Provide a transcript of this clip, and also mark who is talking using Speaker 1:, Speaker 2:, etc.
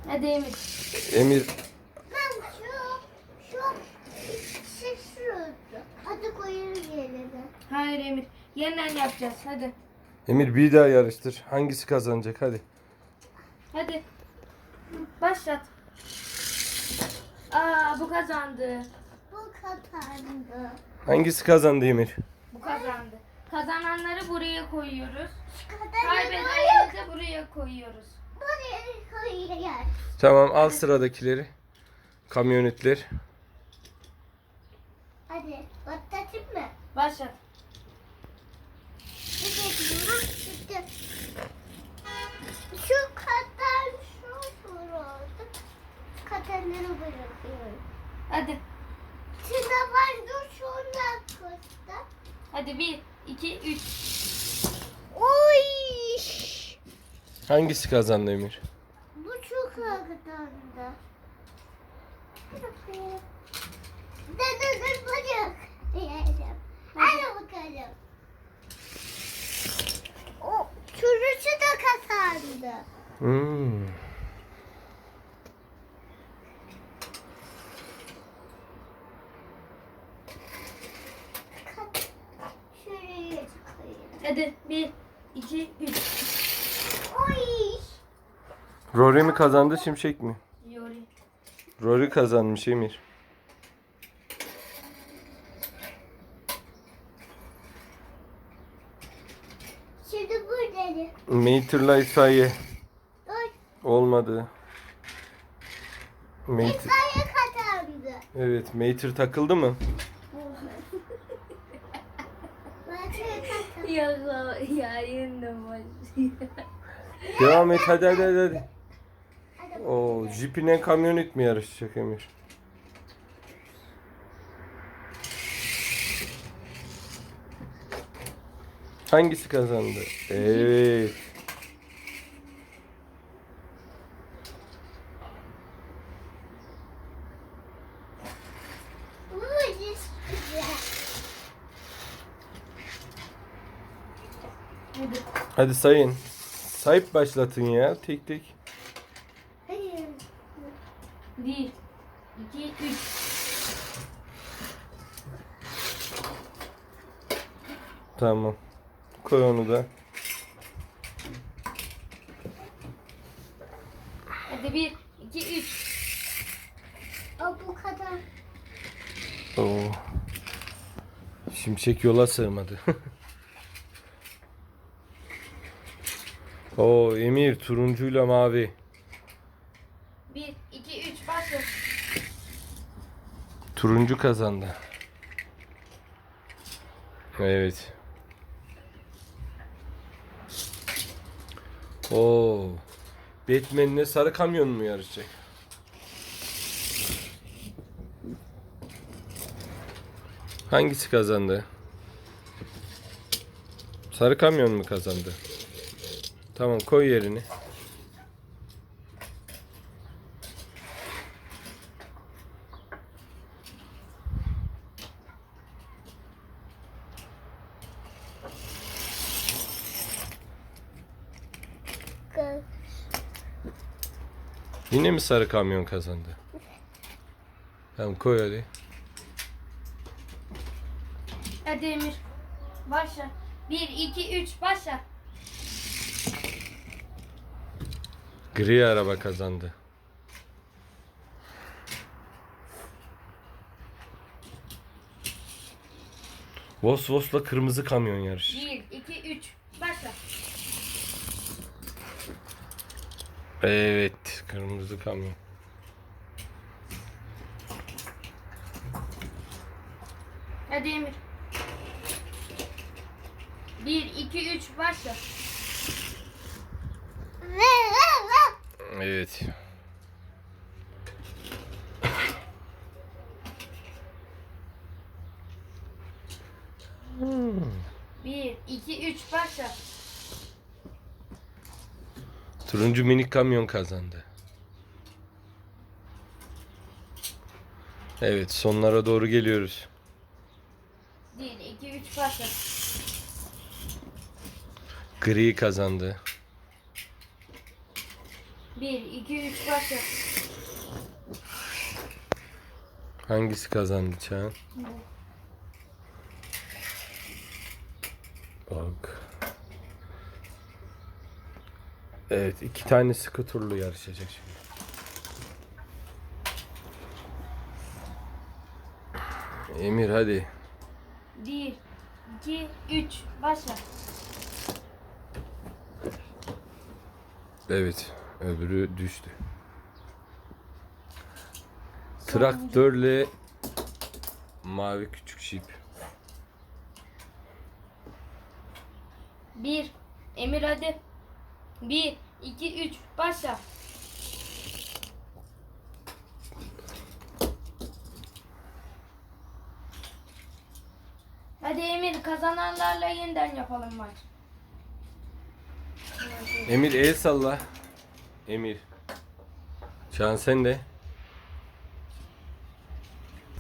Speaker 1: Hadi Emir.
Speaker 2: Emir
Speaker 3: Ben şu şurada. Hadi koyarız yerine.
Speaker 1: Hayır Emir. Yeniden yapacağız. Hadi.
Speaker 2: Emir bir daha yarıştır. Hangisi kazanacak hadi.
Speaker 1: Hadi. Başlat. Bu kazandı.
Speaker 3: Bu kapandı.
Speaker 2: Hangisi kazandı Emir?
Speaker 1: Bu kazandı. Kazananları buraya koyuyoruz.
Speaker 3: Kapandı.
Speaker 1: Kaybedenleri de buraya koyuyoruz.
Speaker 3: Buraya koyuyoruz.
Speaker 2: Tamam al sıradakileri. Kamyonetler.
Speaker 3: Hadi başlatayım mı?
Speaker 1: Başlat.
Speaker 3: Şu kadar şu oldu. Katanları bırakıyorum.
Speaker 1: Hadi.
Speaker 3: Şuna var dur şuna koştu.
Speaker 1: Hadi 1, 2, 3.
Speaker 3: Oy!
Speaker 2: Hangisi kazandı Emir?
Speaker 3: Bu çok katandı. Dur bırak. Yiyelim. Hadi bakalım. O çürüsü de kazandı.
Speaker 2: Hmm.
Speaker 3: Şuraya koyayım.
Speaker 1: Hadi 1, 2, 3.
Speaker 3: Oy!
Speaker 2: Rory mi kazandı Şimşek mi?
Speaker 1: Yori.
Speaker 2: Rory kazanmış Emir.
Speaker 3: Şimdi burada.
Speaker 2: Mater'la itfaiye.
Speaker 3: Dur.
Speaker 2: Olmadı. Mater.
Speaker 3: İtfaiye kazandı.
Speaker 2: Evet, Mater takıldı mı?
Speaker 1: Yayın da başlıyor.
Speaker 2: Devam et hadi. Oo, jipine kamyonet mi yarışacak Emir? Hangisi kazandı? Evet.
Speaker 1: Hadi.
Speaker 2: Hadi sayın. Sayıp başlatın ya tek tek.
Speaker 1: 1, 2, 3.
Speaker 2: Tamam. Koy onu da.
Speaker 1: Hadi 1, 2, 3.
Speaker 3: Bu kadar.
Speaker 2: Oo. Şimşek yola sığmadı. Oo Emir turuncuyla mavi.
Speaker 1: 1, 2, 3. Başla.
Speaker 2: Turuncu kazandı. Evet. Oo. Batman'le sarı kamyon mu yarışacak? Hangisi kazandı? Sarı kamyon mu kazandı? Tamam koy yerini. Yine mi sarı kamyon kazandı? Tamam koy hadi.
Speaker 1: Hadi Emir. Başla. 1, 2, 3. Başla.
Speaker 2: Gri araba kazandı. Vosvos'la kırmızı kamyon yarışı.
Speaker 1: 1, 2, 3. Başla.
Speaker 2: Evet, kırmızı kamyon.
Speaker 1: Hadi Emir. 1, 2, 3. Başla.
Speaker 2: Evet.
Speaker 1: 1, 2, 3. Başla.
Speaker 2: Turuncu minik kamyon kazandı. Evet, sonlara doğru geliyoruz.
Speaker 1: 1, 2, 3. Başla.
Speaker 2: Gri kazandı.
Speaker 1: 1, 2, 3 başla.
Speaker 2: Hangisi kazandı Çağan? Bak. Evet, 2 tane sıkı turlu yarışacak şimdi. Emir hadi.
Speaker 1: 1, 2, 3 başla.
Speaker 2: Evet, öbürü düştü. Traktörle mavi küçük jip.
Speaker 1: 1, Emir hadi. 1, 2, 3 başla. Hadi Emir, kazananlarla yeniden yapalım maç.
Speaker 2: Emir el salla. Emir. Çağan sen de.